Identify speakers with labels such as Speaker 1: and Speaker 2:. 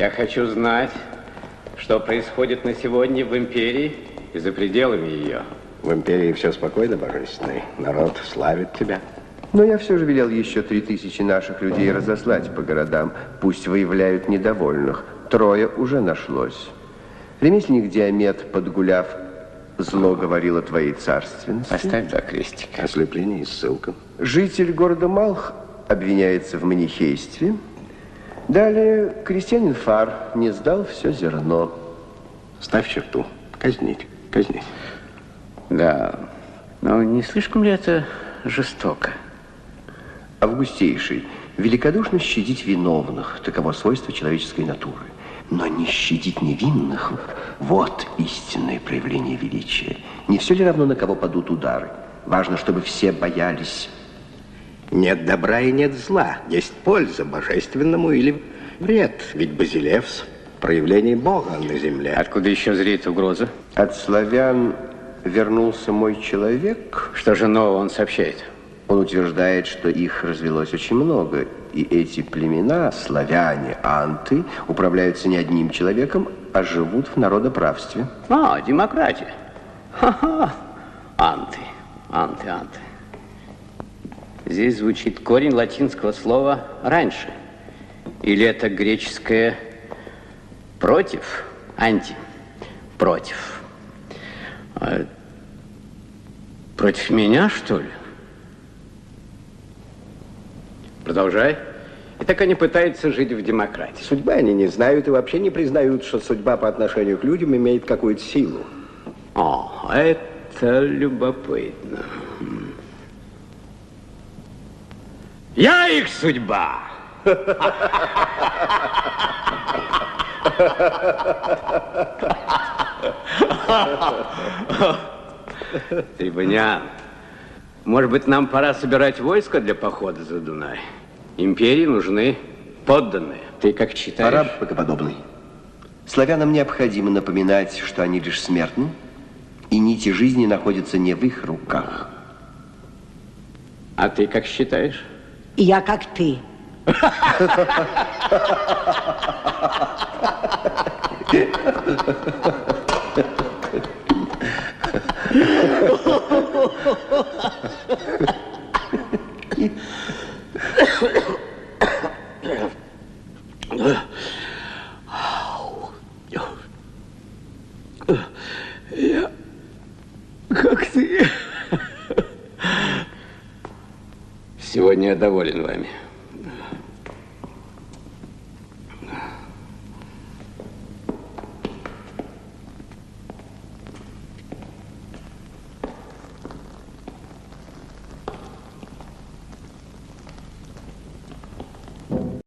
Speaker 1: Я хочу знать, что происходит на сегодня в империи и за пределами ее.
Speaker 2: В империи все спокойно, Божественный. Народ славит тебя.
Speaker 3: Но я все же велел еще 3000 наших людей разослать по городам. Пусть выявляют недовольных. 3 уже нашлось. Ремесленник Диамет, подгуляв, зло говорил о твоей царственности.
Speaker 1: Поставь два крестика.
Speaker 2: Ослепление и ссылка.
Speaker 3: Житель города Малх обвиняется в манихействе. Далее крестьянин Фар не сдал все зерно.
Speaker 2: Ставь черту. Казнить. Казнить.
Speaker 1: Да, но не слишком ли это жестоко?
Speaker 3: Августейший, великодушно щадить виновных, таково свойство человеческой натуры. Но не щадить невинных – вот истинное проявление величия. Не все ли равно, на кого падут удары? Важно, чтобы все боялись.
Speaker 2: Нет добра и нет зла. Есть польза божественному или вред. Ведь Базилевс – проявление Бога на земле.
Speaker 1: Откуда еще зреет угроза?
Speaker 3: От славян вернулся мой человек.
Speaker 1: Что же нового он сообщает?
Speaker 3: Он утверждает, что их развелось очень много, и эти племена, славяне, анты, управляются не одним человеком, а живут в народоправстве.
Speaker 1: А, демократия. Ха-ха. Анты, анты, анты. Здесь звучит корень латинского слова «раньше». Или это греческое «против», «анти», «против». Против меня, что ли? Продолжай. И так они пытаются жить в демократии.
Speaker 2: Судьбы они не знают и вообще не признают, что судьба по отношению к людям имеет какую-то силу.
Speaker 1: О, это любопытно. Я их судьба. Трибунян, может быть, нам пора собирать войско для похода за Дунай? Империи нужны подданные. Ты как считаешь?
Speaker 3: Пора, богоподобный. Славянам необходимо напоминать, что они лишь смертны, и нити жизни находятся не в их руках.
Speaker 1: А ты как считаешь?
Speaker 4: Я как ты.
Speaker 1: Я как ты. Сегодня я доволен вами.